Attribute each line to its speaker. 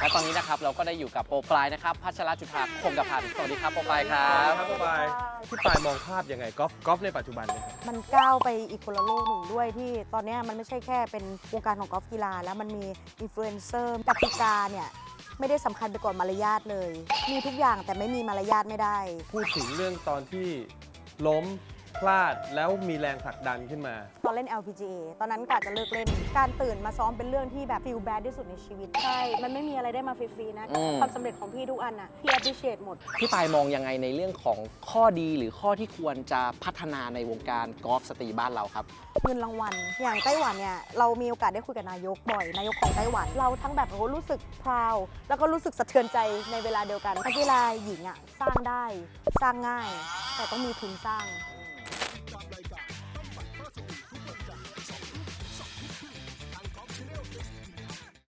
Speaker 1: และตอนนี้นะครับเราก็ได้อยู่กับโปรปลายนะครับพัชรจุฑาคงกพันธ์สวัสดีครับโปรปลายครับ
Speaker 2: พี่ปายมองภาพยังไงกอล์ฟในปัจจุบันเนี่ยครับ
Speaker 3: มันก้าวไปอีกคนละโลกหนึ่งด้วยที่ตอนนี้มันไม่ใช่แค่เป็นวงการของกอล์ฟกีฬาแล้วมันมีอินฟลูเอนเซอร์กติกาเนี่ยไม่ได้สำคัญไปกว่ามารยาทเลย มีทุกอย่างแต่ไม่มีมารยาทไม่ได้
Speaker 2: พูดถึงเรื่องตอนที่ล้มพลาดแล้วมีแรงผลักดันขึ้นมา
Speaker 3: ตอนเล่น LPGA ตอนนั้นกะจะเลิกเล่น การตื่นมาซ้อมเป็นเรื่องที่แบบ feel bad ที่สุดในชีวิต ใช่ มันไม่มีอะไรได้มาฟรีๆนะ ความสำเร็จของพี่ทุกอันน่ะ พี่ appreciate หมด
Speaker 1: พี่ปายมองยังไงในเรื่องของข้อดีหรือข้อที่ควรจะพัฒนาในวงการกอล์ฟสตรีบ้านเราครับ
Speaker 3: เงินรางวัล อย่างไต้หวันเนี่ย เรามีโอกาสได้คุยกับนายกบ่อย นายกของไต้หวัน เราทั้งแบบโอ้โหรู้สึก proud แล้วก็รู้สึกสะเทือนใจในเวลาเดียวกันนักกีฬาหญิงอ่ะสร้างได้ สร้างง่าย แต่ต้องมีทุนสร้าง